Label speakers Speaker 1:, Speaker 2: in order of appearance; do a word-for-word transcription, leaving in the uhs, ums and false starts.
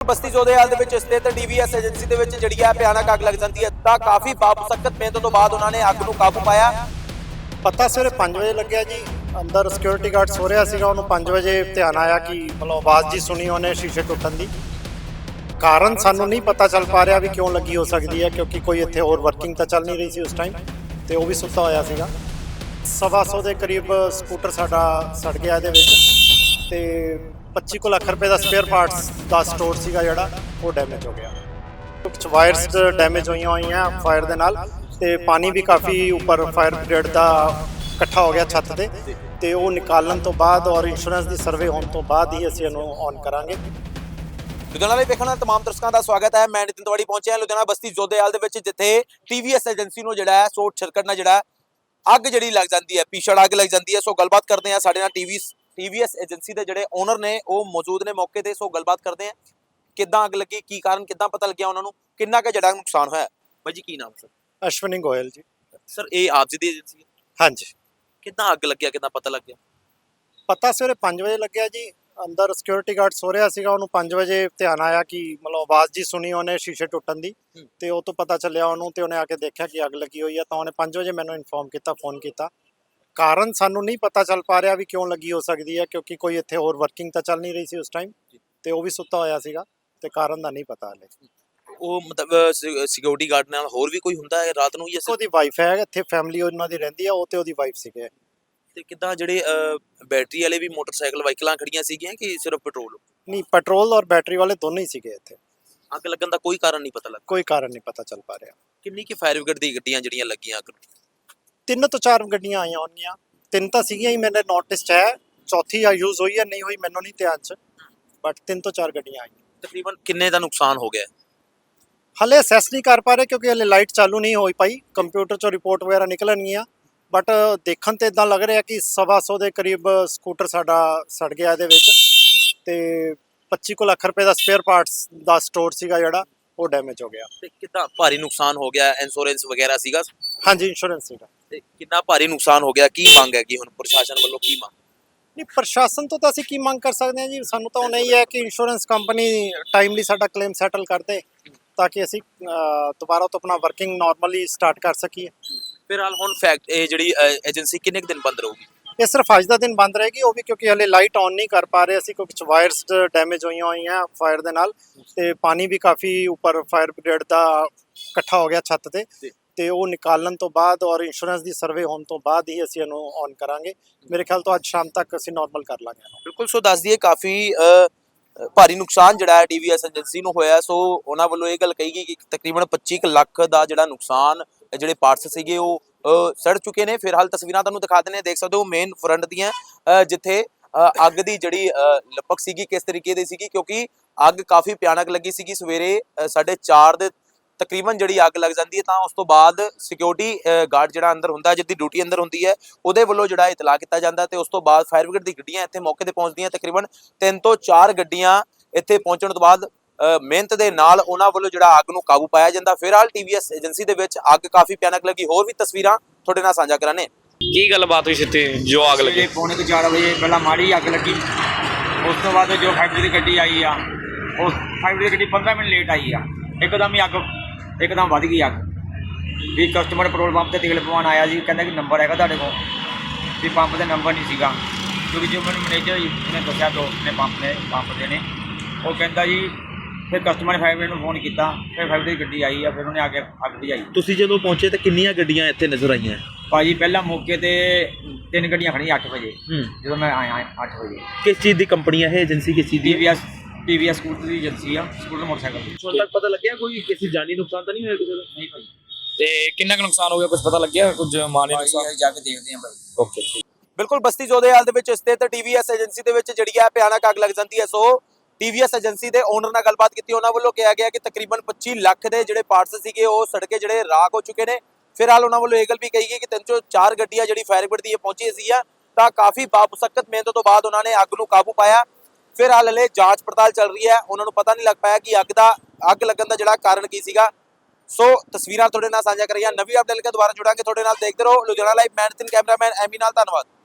Speaker 1: ਬਸਤੀ ਜੋਧੇਵਾਲ ਦੇ ਵਿੱਚ ਸਥਿਤ टीवीएस ਏਜੰਸੀ ਦੇ ਵਿੱਚ ਜਿਹੜੀ ਹੈ ਭਿਆਨਕ ਅੱਗ ਲੱਗ ਜਾਂਦੀ ਹੈ ਤਾਂ ਕਾਫੀ ਬਾਮੁਸ਼ੱਕਤ ਮਿਹਨਤ ਤੋਂ ਬਾਅਦ ਉਹਨਾਂ ਨੇ ਅੱਗ ਨੂੰ ਕਾਬੂ ਪਾਇਆ।
Speaker 2: ਪਤਾ ਸਵੇਰੇ ਪੰਜ ਵਜੇ ਲੱਗਿਆ ਜੀ। ਅੰਦਰ ਸਿਕਿਉਰਿਟੀ ਗਾਰਡ ਸੋ ਰਿਹਾ ਸੀਗਾ, ਉਹਨੂੰ ਪੰਜ ਵਜੇ ਧਿਆਨ ਆਇਆ ਕਿ ਮਤਲਬ ਆਵਾਜ਼ ਜੀ ਸੁਣੀ ਉਹਨੇ ਸ਼ੀਸ਼ੇ ਟੁੱਟਣ ਦੀ। ਕਾਰਨ ਸਾਨੂੰ ਨਹੀਂ ਪਤਾ ਚੱਲ ਪਾ ਰਿਹਾ ਵੀ ਕਿਉਂ ਲੱਗੀ ਹੋ ਸਕਦੀ ਹੈ, ਕਿਉਂਕਿ ਕੋਈ ਇੱਥੇ ਹੋਰ ਵਰਕਿੰਗ ਤਾਂ ਚੱਲ ਨਹੀਂ ਰਹੀ ਸੀ ਉਸ ਟਾਈਮ ਤੇ ਉਹ ਵੀ ਸੁੱਤਾ ਹੋਇਆ ਸੀਗਾ। ਸਵਾ ਸੌ ਦੇ ਕਰੀਬ ਸਕੂਟਰ ਸਾਡਾ ਸੜ ਗਿਆ ਇਹਦੇ ਵਿੱਚ ਤੇ ਪੱਚੀ ਕੁ ਲੱਖ ਰੁਪਏ ਦਾ ਸਪੇਅਰ ਪਾਰਟਸ ਦਾ ਸਟੋਰ ਸੀਗਾ ਜਿਹੜਾ ਉਹ ਡੈਮੇਜ ਹੋ ਗਿਆ। ਕੁਝ ਵਾਇਰਸ ਡੈਮੇਜ ਹੋਈਆਂ ਹੋਈਆਂ ਫਾਇਰ ਦੇ ਨਾਲ ਤੇ ਪਾਣੀ ਵੀ ਕਾਫੀ ਉੱਪਰ ਫਾਇਰ ਬ੍ਰਿਗੇਡ ਦਾ ਇਕੱਠਾ ਹੋ ਗਿਆ ਛੱਤ ਤੇ ਤੇ ਉਹ ਨਿਕਾਲਣ ਤੋਂ ਬਾਅਦ ਔਰ ਇੰਸ਼ੋਰੈਂਸ ਦੀ ਸਰਵੇ ਹੋਣ ਤੋਂ ਬਾਅਦ ਹੀ ਅਸੀਂ ਇਹਨੂੰ ਔਨ ਕਰਾਂਗੇ।
Speaker 1: ਲੁਧਿਆਣਾ ਲਈ ਵੇਖਣ ਵਾਲੇ ਤਮਾਮ ਦਰਸ਼ਕਾਂ ਦਾ ਸਵਾਗਤ ਹੈ। ਮੈਂ ਨਿਤਿਨ ਤਿਵਾੜੀ ਪਹੁੰਚਿਆ ਲੁਧਿਆਣਾ ਬਸਤੀ ਜੋਧੇਵਾਲ ਦੇ ਵਿੱਚ, ਜਿੱਥੇ ਟੀਵੀਐਸ ਏਜੰਸੀ ਨੂੰ ਜਿਹੜਾ ਹੈ ਸ਼ੋਰਟ ਸਰਕਟ ਨਾਲ ਜਿਹੜਾ ਅੱਗ ਜਿਹੜੀ ਲੱਗ ਜਾਂਦੀ ਹੈ, ਭੀਸ਼ਣ ਅੱਗ ਲੱਗ ਜਾਂਦੀ ਹੈ। ਸੋ ਗੱਲਬਾਤ ਕਰਦੇ ਹਾਂ ਸਾਡੇ ਨਾਲ ਟੀਵੀ ਟੀਵੀਐਸ ਏਜੰਸੀ ਦੇ ਜਿਹੜੇ ਓਨਰ ਨੇ ਉਹ ਮੌਜੂਦ ਨੇ ਮੌਕੇ ਤੇ। ਸੋ ਗੱਲਬਾਤ ਕਰਦੇ ਹਾਂ ਕਿੱਦਾਂ ਅੱਗ ਲੱਗੀ, ਕੀ ਕਾਰਨ, ਕਿੱਦਾਂ ਪਤਾ ਲੱਗਿਆ ਉਹਨਾਂ ਨੂੰ, ਕਿੰਨਾ ਕੁ ਜਿਹੜਾ ਨੁਕਸਾਨ ਹੋਇਆ। ਬਾਈ ਜੀ ਕੀ ਨਾਮ ਸਰ?
Speaker 2: ਅਸ਼ਵਨੀ ਗੋਇਲ ਜੀ।
Speaker 1: ਸਰ ਇਹ ਆਪ ਜੀ ਦੀ ਏਜੰਸੀ ਹੈ?
Speaker 2: ਹਾਂਜੀ।
Speaker 1: ਕਿੱਦਾਂ ਅੱਗ ਲੱਗਿਆ, ਕਿੱਦਾਂ ਪਤਾ ਲੱਗਿਆ?
Speaker 2: ਪਤਾ ਸਵੇਰੇ ਪੰਜ ਵਜੇ ਲੱਗਿਆ ਜੀ। ਅੰਦਰ ਸਿਕਿਉਰਿਟੀ ਗਾਰਡ ਸੋ ਰਿਹਾ ਸੀਗਾ, ਉਹਨੂੰ ਪੰਜ ਵਜੇ ਧਿਆਨ ਆਇਆ ਕਿ ਮਤਲਬ ਆਵਾਜ਼ ਜੀ ਸੁਣੀ ਉਹਨੇ ਸ਼ੀਸ਼ੇ ਟੁੱਟਣ ਦੀ ਤੇ ਉਹ ਤੋਂ ਪਤਾ ਚੱਲਿਆ ਉਹਨੂੰ ਤੇ ਉਹਨੇ ਆ ਕੇ ਦੇਖਿਆ ਕਿ ਅੱਗ ਲੱਗੀ ਹੋਈ ਆ। ਤਾਂ ਉਹਨੇ ਪੰਜ ਵਜੇ ਮੈਨੂੰ ਇਨਫੋਰਮ ਕੀਤਾ, ਫੋਨ ਕੀਤਾ। ਕਾਰਨ ਸਾਨੂੰ ਨਹੀਂ ਪਤਾ ਚੱਲ ਪਾ ਰਿਹਾ ਵੀ ਕਿਉਂ ਲੱਗੀ ਹੋ ਸਕਦੀ ਹੈ, ਕਿਉਂਕਿ ਕੋਈ ਇੱਥੇ ਹੋਰ ਵਰਕਿੰਗ ਤਾਂ ਚੱਲ ਨਹੀਂ ਰਹੀ ਸੀ ਉਸ ਟਾਈਮ ਤੇ ਉਹ ਵੀ ਸੁੱਤਾ ਹੋਇਆ ਸੀਗਾ ਤੇ ਕਾਰਨ ਦਾ ਨਹੀਂ ਪਤਾ ਹਲੇ।
Speaker 1: ਉਹ ਮਤਲਬ ਸਿਕਿਉਰਿਟੀ ਗਾਰਡ ਨਾਲ ਹੋਰ ਵੀ ਕੋਈ ਹੁੰਦਾ ਹੈ ਰਾਤ ਨੂੰ? ਜਾਂ
Speaker 2: ਉਹਦੀ ਵਾਈਫ ਹੈ ਇੱਥੇ, ਫੈਮਿਲੀ ਉਹਨਾਂ ਦੀ ਰਹਿੰਦੀ ਆ, ਉਹ ਤੇ ਉਹਦੀ ਵਾਈਫ ਸੀਗੇ।
Speaker 1: ਤੇ ਕਿੱਦਾਂ ਜਿਹੜੇ ਬੈਟਰੀ ਵਾਲੇ ਵੀ ਮੋਟਰਸਾਈਕਲ ਵਾਹੀਕਲਾਂ ਖੜੀਆਂ ਸੀਗੀਆਂ ਕਿ ਸਿਰਫ ਪੈਟਰੋਲ?
Speaker 2: ਨਹੀਂ, ਪੈਟਰੋਲ ਔਰ ਬੈਟਰੀ ਵਾਲੇ ਦੋਨੋਂ ਹੀ ਸੀਗੇ ਇੱਥੇ।
Speaker 1: ਅੱਗ ਲੱਗਣ ਦਾ ਕੋਈ ਕਾਰਨ ਨਹੀਂ ਪਤਾ ਲੱਗਾ?
Speaker 2: ਕੋਈ ਕਾਰਨ ਨਹੀਂ ਪਤਾ ਚੱਲ ਪਾ ਰਿਹਾ।
Speaker 1: ਕਿੰਨੀ ਕੀ ਫਾਇਰ ਬ੍ਰਿਗੇਡ ਦੀ ਗੱਡੀਆਂ ਜਿਹੜੀਆਂ ਲੱਗੀਆਂ ਅੱਗ ਨੂੰ?
Speaker 2: ਤਿੰਨ ਤੋਂ ਚਾਰ ਗੱਡੀਆਂ ਆਈਆਂ ਹੋਣਗੀਆਂ। ਤਿੰਨ ਤਾਂ ਸੀਗੀਆਂ ਹੀ ਮੇਰੇ ਨੋਟਿਸ 'ਚ ਹੈ, ਚੌਥੀ ਆ ਯੂਜ਼ ਹੋਈ ਹੈ ਨਹੀਂ ਹੋਈ ਮੈਨੂੰ ਨਹੀਂ ਧਿਆਨ 'ਚ, ਬਟ ਤਿੰਨ ਤੋਂ ਚਾਰ ਗੱਡੀਆਂ ਆਈਆਂ।
Speaker 1: ਤਕਰੀਬਨ ਕਿੰਨੇ ਦਾ ਨੁਕਸਾਨ ਹੋ ਗਿਆ?
Speaker 2: ਹਲੇ ਅਸੈਸ ਨਹੀਂ ਕਰ ਪਾ ਰਹੇ ਕਿਉਂਕਿ ਹਲੇ ਲਾਈਟ ਚਾਲੂ ਨਹੀਂ ਹੋਈ ਪਾਈ। ਕੰਪਿਊਟਰ 'ਚੋਂ ਰਿਪੋਰਟ ਵਗੈਰਾ ਨਿਕਲਣਗੀਆਂ, ਬਟ ਦੇਖਣ ਤੇ ਇਦਾਂ ਲੱਗ ਰਿਹਾ ਕਿ ਸਵਾ ਸੌ ਦੇ ਕਰੀਬ ਸਕੂਟਰ ਸਾਡਾ ਸੜ ਗਿਆ ਇਹਦੇ ਵਿੱਚ ਤੇ ਪੱਚੀ ਕੁ ਲੱਖ ਰੁਪਏ ਦਾ ਸਪੇਅਰ ਪਾਰਟਸ ਦਾ ਸਟੋਰ ਸੀਗਾ ਜਿਹੜਾ ਉਹ ਡੈਮੇਜ ਹੋ ਗਿਆ।
Speaker 1: ਤੇ ਕਿੰਨਾ ਭਾਰੀ ਨੁਕਸਾਨ ਹੋ ਗਿਆ? ਇੰਸ਼ੋਰੈਂਸ ਵਗੈਰਾ ਸੀਗਾ?
Speaker 2: ਹਾਂਜੀ, ਇੰਸ਼ੋਰੈਂਸ ਸੀਗਾ।
Speaker 1: ਤੇ ਕਿੰਨਾ ਭਾਰੀ ਨੁਕਸਾਨ ਹੋ ਗਿਆ? ਕੀ ਮੰਗ ਹੈਗੀ ਹੁਣ ਪ੍ਰਸ਼ਾਸਨ ਵੱਲੋਂ, ਕੀ ਮੰਗ?
Speaker 2: ਨਹੀਂ, ਪ੍ਰਸ਼ਾਸਨ ਤੋਂ ਤਾਂ ਅਸੀਂ ਕੀ ਮੰਗ ਕਰ ਸਕਦੇ ਹਾਂ ਜੀ। ਸਾਨੂੰ ਤਾਂ ਉਹ ਨਹੀਂ ਹੈ ਕਿ ਇੰਸ਼ੋਰੈਂਸ ਕੰਪਨੀ ਟਾਈਮਲੀ ਸਾਡਾ ਕਲੇਮ ਸੈਟਲ ਕਰ ਦੇ ਤਾਂ ਕਿ ਅਸੀਂ ਦੁਬਾਰਾ ਤੋਂ ਆਪਣਾ ਵਰਕਿੰਗ ਨਾਰਮਲੀ ਸਟਾਰਟ ਕਰ ਸਕੀਏ।
Speaker 1: ਫਿਲਹਾਲ ਹੁਣ ਫੈਕਟ ਇਹ ਜਿਹੜੀ ਏਜੰਸੀ ਕਿੰਨੇ ਕੁ ਦਿਨ ਬੰਦ ਰਹੂਗੀ?
Speaker 2: ਇਹ ਸਿਰਫ ਅੱਜ ਦਾ ਦਿਨ ਬੰਦ ਰਹੇਗੀ, ਉਹ ਵੀ ਕਿਉਂਕਿ ਹਲੇ ਲਾਈਟ ਆਨ ਨਹੀਂ ਕਰ ਪਾ ਰਹੇ ਅਸੀਂ। ਕੁਝ ਵਾਇਰਸ ਡੈਮੇਜ ਹੋਈਆਂ ਹੋਈਆਂ ਫਾਇਰ ਦੇ ਨਾਲ ਤੇ ਪਾਣੀ ਵੀ ਕਾਫੀ ਉੱਪਰ ਫਾਇਰ ਬ੍ਰਿਗੇਡ ਦਾ ਇਕੱਠਾ ਹੋ ਗਿਆ ਛੱਤ ਤੇ ਤੇ ਉਹ ਨਿਕਾਲਣ ਤੋਂ ਬਾਅਦ ਔਰ ਇੰਸ਼ੋਰੈਂਸ ਦੀ ਸਰਵੇ ਹੋਣ ਤੋਂ ਬਾਅਦ ਹੀ ਅਸੀਂ ਇਹਨੂੰ ਔਨ ਕਰਾਂਗੇ। ਮੇਰੇ ਖਿਆਲ ਤੋਂ ਅੱਜ ਸ਼ਾਮ ਤੱਕ ਅਸੀਂ ਨਾਰਮਲ ਕਰ ਲਾਂਗੇ।
Speaker 1: ਬਿਲਕੁਲ। ਸੋ ਦੱਸ ਦਈਏ ਕਾਫੀ ਭਾਰੀ ਨੁਕਸਾਨ ਜਿਹੜਾ ਹੈ ਟੀਵੀਐਸ ਏਜੰਸੀ ਨੂੰ ਹੋਇਆ। ਸੋ ਉਹਨਾਂ ਵੱਲੋਂ ਇਹ ਗੱਲ ਕਹੀ ਗਈ ਕਿ ਤਕਰੀਬਨ ਪੱਚੀ ਕੁ ਲੱਖ ਦਾ ਜਿਹੜਾ ਨੁਕਸਾਨ, ਜਿਹੜੇ ਪਾਰਟਸ ਸੀਗੇ ਉਹ ਸੜ ਚੁੱਕੇ ਨੇ। ਫਿਲਹਾਲ ਤਸਵੀਰਾਂ ਤੁਹਾਨੂੰ ਦਿਖਾ ਦਿੰਦੇ, ਦੇਖ ਸਕਦੇ ਹੋ ਮੇਨ ਫਰੰਟ ਦੀਆਂ, ਜਿੱਥੇ ਅੱਗ ਦੀ ਜਿਹੜੀ ਲਪਕ ਸੀਗੀ ਕਿਸ ਤਰੀਕੇ ਦੀ ਸੀਗੀ, ਕਿਉਂਕਿ ਅੱਗ ਕਾਫੀ ਭਿਆਨਕ ਲੱਗੀ ਸੀਗੀ। ਸਵੇਰੇ ਸਾਢੇ ਚਾਰ ਦੇ ਤਕਰੀਬਨ ਜਿਹੜੀ ਅੱਗ ਲੱਗ ਜਾਂਦੀ ਹੈ ਤਾਂ ਉਸ ਤੋਂ ਬਾਅਦ ਸਿਕਿਉਰਿਟੀ ਗਾਰਡ ਜਿਹੜਾ ਅੰਦਰ ਹੁੰਦਾ, ਜਿਹਦੀ ਡਿਊਟੀ ਅੰਦਰ ਹੁੰਦੀ ਹੈ, ਉਹਦੇ ਵੱਲੋਂ ਜਿਹੜਾ ਇਤਲਾਹ ਕੀਤਾ ਜਾਂਦਾ ਤੇ ਉਸ ਤੋਂ ਬਾਅਦ ਫਾਇਰ ਬ੍ਰਿਗੇਡ ਦੀ ਗੱਡੀਆਂ ਇੱਥੇ ਮੌਕੇ ਤੇ ਪਹੁੰਚਦੀਆਂ। ਤਕਰੀਬਨ ਤਿੰਨ ਤੋਂ ਚਾਰ ਗੱਡੀਆਂ ਇੱਥੇ ਪਹੁੰਚਣ ਤੋਂ ਬਾਅਦ ਮਿਹਨਤ ਦੇ ਨਾਲ ਉਹਨਾਂ ਵੱਲੋਂ ਜਿਹੜਾ ਅੱਗ ਨੂੰ ਕਾਬੂ ਪਾਇਆ ਜਾਂਦਾ। ਫਿਲਹਾਲ ਟੀਵੀਐਸ ਏਜੰਸੀ ਦੇ ਵਿੱਚ ਅੱਗ ਕਾਫੀ ਭਿਆਨਕ ਲੱਗੀ। ਹੋਰ ਵੀ ਤਸਵੀਰਾਂ ਤੁਹਾਡੇ ਨਾਲ ਸਾਂਝਾ ਕਰਾਂਗੇ।
Speaker 3: ਕੀ ਗੱਲਬਾਤ ਹੋਈ ਸੀ ਜੋ ਅੱਗ ਲੱਗੀ?
Speaker 4: ਪੌਣੇ ਕੁ ਚਾਰ ਵਜੇ ਪਹਿਲਾਂ ਮਾੜੀ ਅੱਗ ਲੱਗੀ, ਉਸ ਤੋਂ ਬਾਅਦ ਜੋ ਫਾਈਵ ਦੀ ਗੱਡੀ ਆਈ ਆ, ਉਹ ਫਾਈਵ ਦੀ ਗੱਡੀ ਪੰਦਰਾਂ ਮਿੰਟ ਲੇਟ ਆਈ ਆ। ਇੱਕਦਮ ਹੀ ਅੱਗ ਇੱਕਦਮ ਵੱਧ ਗਈ ਅੱਗ। ਵੀ ਕਸਟਮਰ ਪੈਟਰੋਲ ਪੰਪ 'ਤੇ ਤੇਲ ਪਵਾਉਣ ਆਇਆ ਜੀ, ਕਹਿੰਦਾ ਕਿ ਨੰਬਰ ਹੈਗਾ ਤੁਹਾਡੇ ਕੋਲ, ਵੀ ਪੰਪ ਦਾ ਨੰਬਰ ਨਹੀਂ ਸੀਗਾ। ਕਿਉਂਕਿ ਜੋ ਮੈਨੂੰ ਮੈਨੇਜਰ ਨੇ ਦੱਸਿਆ, ਦੋਸਤ ਨੇ ਪੰਪ ਨੇ ਪੰਪ ਦੇ ਨੇ, ਉਹ ਕਹਿੰਦਾ ਜੀ ਫਿਰ ਕਸਟਮਰ ਨੇ ਫਾਈਵ ਮਿੰਟ ਨੂੰ ਫੋਨ ਕੀਤਾ, ਫਿਰ ਫਾਈਵ ਦੀ ਗੱਡੀ ਆਈ ਆ, ਫਿਰ ਉਹਨੇ ਆ ਕੇ ਅੱਗ ਬੁਝਾਈ।
Speaker 3: ਤੁਸੀਂ ਜਦੋਂ ਪਹੁੰਚੇ ਤਾਂ ਕਿੰਨੀਆਂ ਗੱਡੀਆਂ ਇੱਥੇ ਨਜ਼ਰ ਆਈਆਂ?
Speaker 4: ਭਾਜੀ ਪਹਿਲਾਂ ਮੌਕੇ ਤੇ ਤਿੰਨ ਗੱਡੀਆਂ ਖੜੀਆਂ ਅੱਠ ਵਜੇ, ਜਦੋਂ ਮੈਂ ਆਇਆ ਅੱਠ ਵਜੇ।
Speaker 3: ਕਿਸ ਚੀਜ਼ ਦੀ ਕੰਪਨੀ ਹੈ ਇਹ ਏਜੰਸੀ? ਕਿਸ ਚੀਜ਼ ਦੀ?
Speaker 4: ਟੀਵੀਐਸ ਟੀਵੀਐਸ ਸਕੂਟਰ ਦੀ ਏਜੰਸੀ ਆ, ਸਕੂਟਰ ਮੋਟਰਸਾਈਕਲ ਦੀ।
Speaker 3: ਹੁਣ ਤੱਕ ਪਤਾ ਲੱਗਿਆ ਕੋਈ ਕਿਸੇ ਜਾਨੀ ਨੁਕਸਾਨ ਤਾਂ ਨਹੀਂ ਹੋਇਆ ਕਿਸੇ ਦਾ?
Speaker 4: ਨਹੀਂ ਭਾਈ।
Speaker 5: ਤੇ ਕਿੰਨਾ ਕੁ ਨੁਕਸਾਨ ਹੋ ਗਿਆ, ਕੁਝ ਪਤਾ ਲੱਗਿਆ? ਕੁਝ ਮਾਲੀ ਨੁਕਸਾਨ
Speaker 4: ਜਾ ਕੇ ਦੇਖਦੇ ਆਂ ਭਾਈ।
Speaker 5: ਓਕੇ।
Speaker 1: ਬਿਲਕੁਲ। ਬਸਤੀ ਜੋਧੇਵਾਲ ਦੇ ਵਿੱਚ ਸਥਿਤ ਟੀਵੀਐਸ ਏਜੰਸੀ ਦੇ ਵਿੱਚ ਜਿਹੜੀ ਹੈ ਭਿਆਨਕ ਅੱਗ ਲੱਗ ਜਾਂਦੀ ਹੈ। ਸੋ ਟੀਵੀਐਸ ਏਜੰਸੀ ਦੇ ਓਨਰ ਨਾਲ ਗੱਲਬਾਤ ਕੀਤੀ, ਉਹਨਾਂ ਵੱਲੋਂ ਕਿਹਾ ਗਿਆ ਕਿ ਤਕਰੀਬਨ ਪੱਚੀ ਲੱਖ ਦੇ ਜਿਹੜੇ ਪਾਰਟਸ ਸੀਗੇ ਉਹ ਸੜ ਕੇ ਜਿਹੜੇ ਰਾਖ ਹੋ ਚੁੱਕੇ ਨੇ। ਫਿਲਹਾਲ ਉਹਨਾਂ ਵੱਲੋਂ ਇਹ ਗੱਲ ਵੀ ਕਹੀ ਗਈ ਕਿ ਤਿੰਨ ਤੋਂ ਚਾਰ ਗੱਡੀਆਂ ਜਿਹੜੀ ਫਾਇਰ ਬ੍ਰਿਗੇਡ ਦੀ ਪਹੁੰਚੀ ਸੀ ਆ ਤਾਂ ਕਾਫੀ ਬਾਮੁਸ਼ੱਕਤ ਮਿਹਨਤ ਤੋਂ ਬਾਅਦ ਉਹਨਾਂ ਨੇ ਅੱਗ ਨੂੰ ਕਾਬੂ ਪਾਇਆ। ਫਿਲਹਾਲ ਹਲੇ ਜਾਂਚ ਪੜਤਾਲ ਚੱਲ ਰਹੀ ਹੈ, ਉਹਨਾਂ ਨੂੰ ਪਤਾ ਨਹੀਂ ਲੱਗ ਪਾਇਆ ਕਿ ਅੱਗ ਦਾ ਅੱਗ ਲੱਗਣ ਦਾ ਜਿਹੜਾ ਕਾਰਨ ਕੀ ਸੀਗਾ। ਸੋ ਤਸਵੀਰਾਂ ਤੁਹਾਡੇ ਨਾਲ ਸਾਂਝਾ ਕਰੀਆਂ। ਨਵੀਂ ਅਪਡੇਟ ਲੈ ਕੇ ਦੁਬਾਰਾ ਜੁੜਾਂਗੇ ਤੁਹਾਡੇ ਨਾਲ। ਦੇਖਦੇ ਰਹੋ ਲੁਧਿਆਣਾ ਲਾਈਵ। ਮੈਂ ਨਿਤਿਨ, ਕੈਮਰਾਮੈਨ ਐਮੀ ਨਾਲ। ਧੰਨਵਾਦ।